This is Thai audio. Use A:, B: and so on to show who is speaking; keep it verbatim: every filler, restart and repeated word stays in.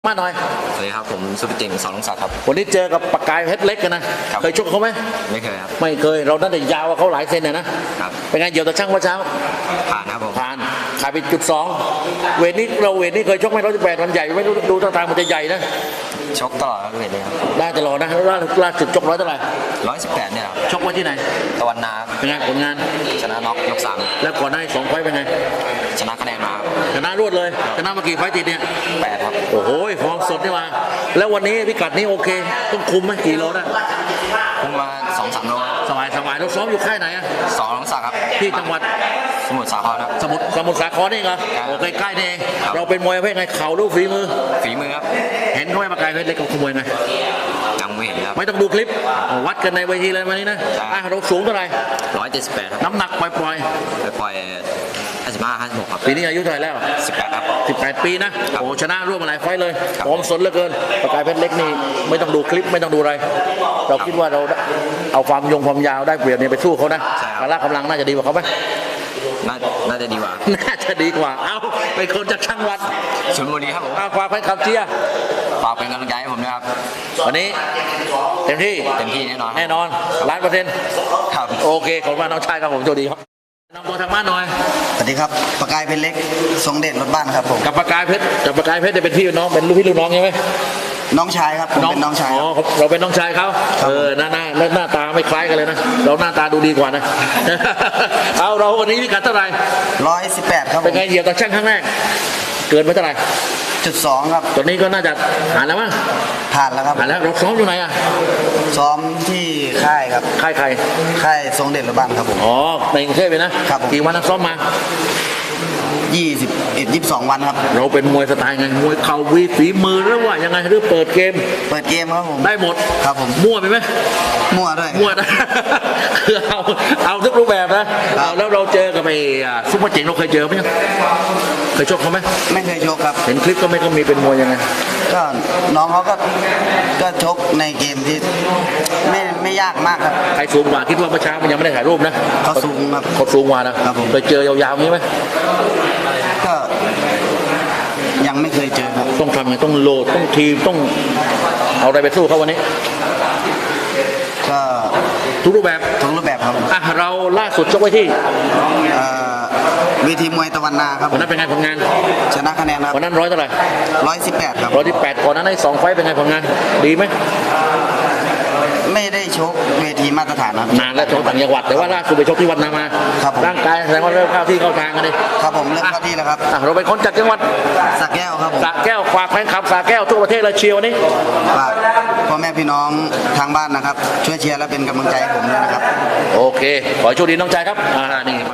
A: บ้านหน่อย
B: สวัสดีครับผมสุภเจงสอนลงศักดิ์ครับ
A: วันนี้เจอกับปากกายเพชรเล็กกันนะเคยชกเขาไหม
B: ไม่เคยครับ
A: ไม่เคยเราตั้งแต่ยาวเขาหลายเซนเลยนะครับเป็นไงเดี๋ยวตะช่างว่าเช้า
B: ผ่านครับผม
A: ผ่านขายไปจุดสองเวทนี้เราเวทนี้เคยชกไหมร้อยสิบแปดมันใหญ่ไม่รู้ดูท่าทางมันจะใหญ่นะ
B: ชกตลอดครับเวทเลยครับ
A: ได้ตลอดนะล่าล่าสุดชกร้อยเท่าไหร่
B: ร้อยสิบแปดเนี่ยครับ
A: ชกไว้ที่ไหน
B: ตะวันนา
A: เป็นไงผลงาน
B: ชนะน็อกยกสาม
A: แล้วก่อนหน้าสองไฟเป็นไง
B: ชนะคะแนนมา
A: ชนะรวดเลยชนะมากี่ไฟติดเนี่ย
B: แปดครับ
A: โอ้โหฟอร์มสดนี่มาแล้ววันนี้พิกัดนี้โอเคต้องคุมไหมกี่โลได้
B: คุมมาสองสามโล
A: สบายสบายเราซ้อมอยู่ค่ายไหนอะ
B: สองลงศักดิ์ครับ
A: ที่จังหวัด
B: สมุทรสาครครับ
A: สมุทรสมุทรสาครนี่เหรอโอเคใกล้นี่เองเราเป็นมวยประเภทไงเข่าลูกฝีมือ
B: ฝีมือครับ
A: เห็นเขาไม่มาไกลเพชรเล็กกับขโมยไง
B: ยังไม่เห็นครับ
A: ไม่ต้องดูคลิปวัดกันในเวทีเลยวันนี้นะเราสูงเท่าไหร่
B: ร้อยเจ็ดสิบแปด
A: น้ำหนักปล่อยปล่อย
B: ปล่อยห้าสิบห้าห้าสิบหกครับ
A: ปีนี้อายุเท่าไหร่แล้ว
B: สิบแปดครับ
A: สิบแปดปีนะโอ้ชนะร่วมมาหลายไฟเลยพร้อมสนเหลือเกินปากกายเพชรเล็กนี่ไม่ต้องดูคลิปไม่ต้องดูอะไรเราคิดว่าเราเอาความยงความยาวได้เปรียบเนี่ยไปสู้เขานะพละกำลังน่าจะดีกว่าเขาไหม
B: น่าจะดีกว่า
A: น่าจะดีกว่าเอ้าเป็นคนจากช่างวัด
B: ชลบุรีครับผม
A: ฝากแฟนคลับเชียร์
B: ฝากเป็นกำลังใจให้ผมนะครับ
A: วันนี้เต็มที่
B: เต็มที่แน่นอน
A: แน่นอนล้านเปอร์เซ็นต์
B: ครับ
A: โอเคขอบคุณน้องชายครับผมโชคดีครับน้องตัวทางบ้านหน่อย
C: สวัสดีครับปากกายเพชรเล็กทรงเด่นรถบ้านครับผม
A: กับปากกายเพชรกับปากกายเพชรจะเป็นพี่น้องเป็นลูกพี่ลูกน้องใช่ไหม
C: น้องชายครับผมเป็นน้องชาย
A: อ๋อเราเป็นน้องชายเขาเออหน้าหน้าหน้าตาไม่คล้ายกันเลยนะเราหน้าตาดูดีกว่านะเอาเราวันนี้พิกัดเท่าไหร่
C: ร้อยสิบแปดครับ
A: เป็นไงเหยียบตะช่างครั้งแรกเกินไปเท่าไหร่
C: จุดสองครับ
A: ตอนนี้ก็น่าจะผ่านแล้วมั้ง
C: ผ่านแล้วครับ
A: ผ่านแล้วเราซ้อมอยู่ไหนอ่ะ
C: ซ้อมที่ค่ายครับ
A: ค่ายใคร
C: ค่ายทรงเด่นรถบ้านครับผม
A: อ๋อในกรุงเทพเลยนะครับกี่วันนักซ้อมมา
C: ยี่สิบเอ็ดยี่สิบสองวันครับ
A: เราเป็นมวยสไตล์ไงมวยเข่าวีฝีมือหรือว่ายังไงหรือเปิดเกม
C: เปิดเกมครับผม
A: ได้หมด
C: ครับผม
A: มั่วไปไหม
C: มั่วด้วย
A: มั่วนะคือเอาเอาทุกรูปแบบนะแล้วเราเจอกับไอ้ซุปเปอร์เจ๋งเราเคยเจอไหมเคยชกเขาไหม
C: ไม่เคยชกครับ
A: เห็นคลิปก็ไม่ก็มีเป็นมวยยังไง
C: ก็น้องเขาก็ก็ชกในเกมที่ไม่ไม่ยากมากครับ
A: ใครสูงกว่าคิดว่าเมื่อเช้ามันยังไม่ได้ถ่ายรูปนะ
C: เขาสูงครับ
A: เขาสูงกว่านะครับเคยเจอยาวๆนี้ไหม
C: ก็ยังไม่เคยเจอครับ
A: ต้องทำไงต้องโหลดต้องทีมต้องเอาอะไรไปสู้เขาวันนี้
C: ก็
A: ทุกรูปแบบ
C: ทุกรูปแบบครับ
A: อ่ะเราล่าสุดชกไว้ที่
C: เวทีมวยตะวันนาครับ
A: วันนั้นเป็นไงผลงาน
C: ชนะคะแนนครับ
A: วันนั้นร้อยเท่าไหร่
C: ร้อยสิบแปดครับ
A: ร้อยที่แปดก่อนนั้นได้สองไฟเป็นไงผลงานดีไหม
C: ไม่ได้ชกเวทีมาตรฐานครับ
A: นานแล้วชกต่างจังหวัดแต่ว่าล่าสุดไปชกที่วัดนามาร่างกายแสดงว่าเริ่มเข้าที่เข้าทางกันเลย
C: ครับผมเริ่มเข้าที่แล้วครับ
A: เราเป็นคนจากจังหวัด
C: สระแก้วครับผม
A: สระแก้วฝากแฟนคลับสระแก้วทั่วประเทศเลยเชียร์วันนี้
C: ฝากพ่อแม่พี่น้องทางบ้านนะครับช่วยเชียร์และเป็นกำลังใจให้ผมด้วยนะครับ
A: โอเคขอโชคดีน้องใจครับอ่านี่